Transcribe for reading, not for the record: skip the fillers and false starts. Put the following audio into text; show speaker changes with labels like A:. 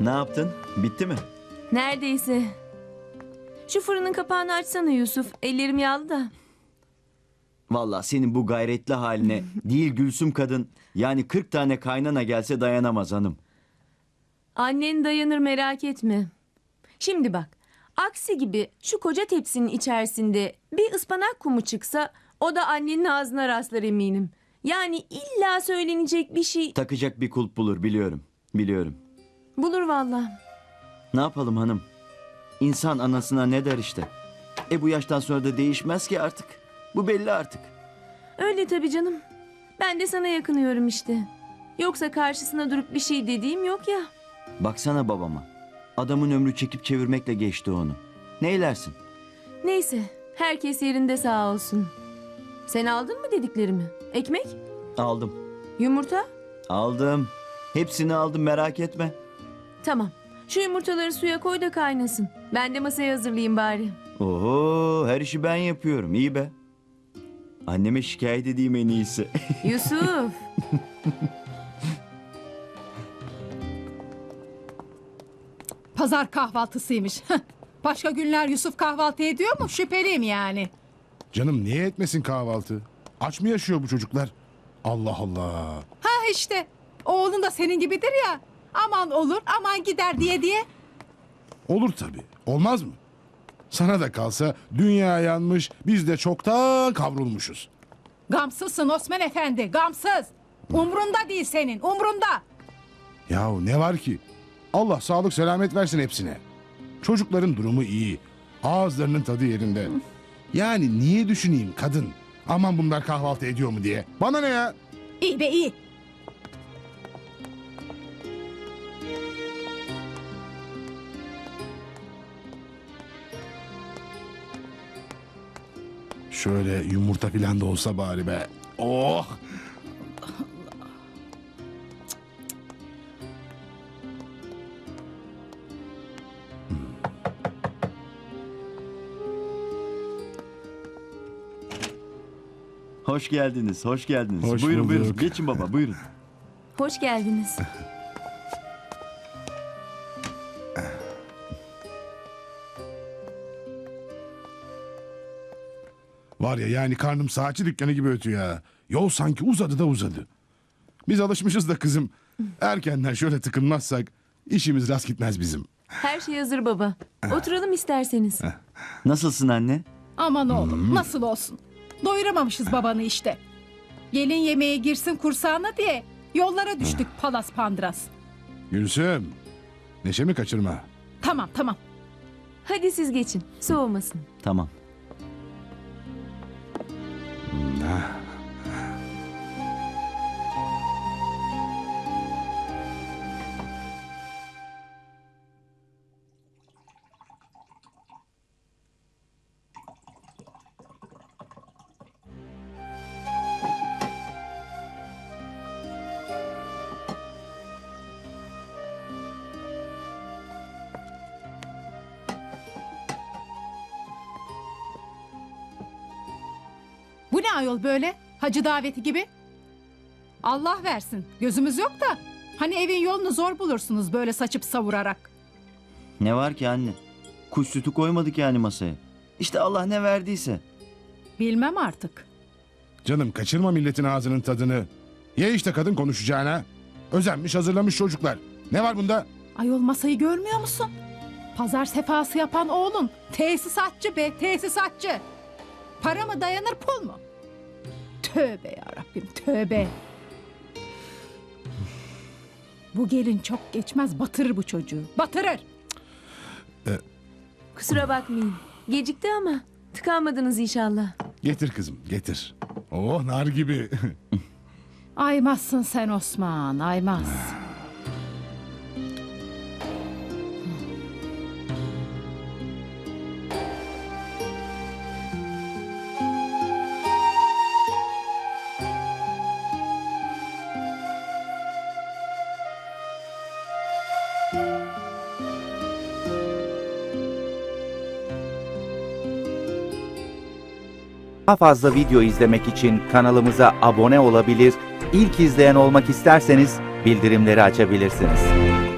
A: Ne yaptın? Bitti mi?
B: Neredeyse. Şu fırının kapağını açsana Yusuf. Ellerim yağlı da.
A: Vallahi senin bu gayretli haline değil Gülsüm kadın, yani 40 tane kaynana gelse dayanamaz hanım.
B: Annen dayanır, merak etme. Şimdi bak. Aksi gibi şu koca tepsinin içerisinde bir ıspanak kumu çıksa o da annenin ağzına rastlar eminim. Yani illa söylenecek bir şey
A: Takacak bir kulp bulur, biliyorum. Biliyorum.
B: bulur vallahi.
A: Ne yapalım hanım? İnsan anasına ne der işte. Bu yaştan sonra da değişmez ki artık. Bu belli artık.
B: Öyle tabii canım. Ben de sana yakınıyorum işte. Yoksa karşısına durup bir şey dediğim yok ya.
A: Baksana babama. Adamın ömrü çekip çevirmekle geçti onu. Neylersin?
B: Neyse, herkes yerinde sağ olsun. Sen aldın mı dediklerimi? Ekmek?
A: Aldım.
B: Yumurta?
A: Aldım. Hepsini aldım, merak etme.
B: Tamam. Şu yumurtaları suya koy da kaynasın. Ben de masayı hazırlayayım bari.
A: Oho, her işi ben yapıyorum. İyi be. Anneme şikayet edeyim en iyisi.
B: Yusuf.
C: Pazar kahvaltısıymış. Başka günler Yusuf kahvaltı ediyor mu? Şüpheliyim yani.
D: Canım niye etmesin kahvaltı? Aç mı yaşıyor bu çocuklar? Allah Allah.
C: Ha işte. Oğlun da senin gibidir ya. Aman olur, aman gider diye.
D: Olur tabii. Olmaz mı? Sana da kalsa dünya yanmış, biz de çoktan kavrulmuşuz.
C: Gamsızsın Osman Efendi, gamsız. Umrunda değil senin, umrunda.
D: Yahu ne var ki? Allah sağlık selamet versin hepsine. Çocukların durumu iyi. Ağızlarının tadı yerinde. Yani niye düşüneyim kadın? Aman bunlar kahvaltı ediyor mu diye. Bana ne ya?
C: İyi be iyi.
D: Şöyle yumurta falan da olsa bari be. Oh!
A: Hoş geldiniz, hoş geldiniz.
D: Hoş
A: buyurun buyurun.
D: bulduk.
A: Geçin baba, buyurun.
B: Hoş geldiniz.
D: Var ya yani karnım saatçi dükkanı gibi ötüyor ya. Yol sanki uzadı da uzadı. Biz alışmışız da kızım. Erkenden şöyle tıkınmazsak işimiz rast gitmez bizim.
B: Her şey hazır baba. Oturalım isterseniz.
A: Nasılsın anne?
C: Aman oğlum, nasıl olsun. Doyuramamışız babanı işte. Gelin yemeğe girsin kursağına diye yollara düştük palas pandras.
D: Gülsüm, neşemi kaçırma.
C: Tamam.
B: Hadi siz geçin. Soğumasın.
A: Tamam.
C: Bu ne ayol böyle? Hacı daveti gibi. Allah versin. Gözümüz yok da. Hani evin yolunu zor bulursunuz böyle saçıp savurarak.
A: Ne var ki anne? Kuş sütü koymadık yani masaya. İşte Allah ne verdiyse.
C: Bilmem artık.
D: Canım kaçırma milletin ağzının tadını. Ye işte kadın konuşacağına. Özenmiş hazırlamış çocuklar. Ne var bunda?
C: Ayol masayı görmüyor musun? Pazar sefası yapan oğlun. Tesisatçı be, tesisatçı. Para mı dayanır, pul mu? Tövbe yarabbim, tövbe. Bu gelin çok geçmez batırır bu çocuğu. Batırır.
B: Kusura bakmayın. Gecikti ama tıkanmadınız inşallah.
D: Getir kızım getir. Oh nar gibi.
C: Aymazsın sen Osman, aymaz.
E: Daha fazla video izlemek için kanalımıza abone olabilir, ilk izleyen olmak isterseniz bildirimleri açabilirsiniz.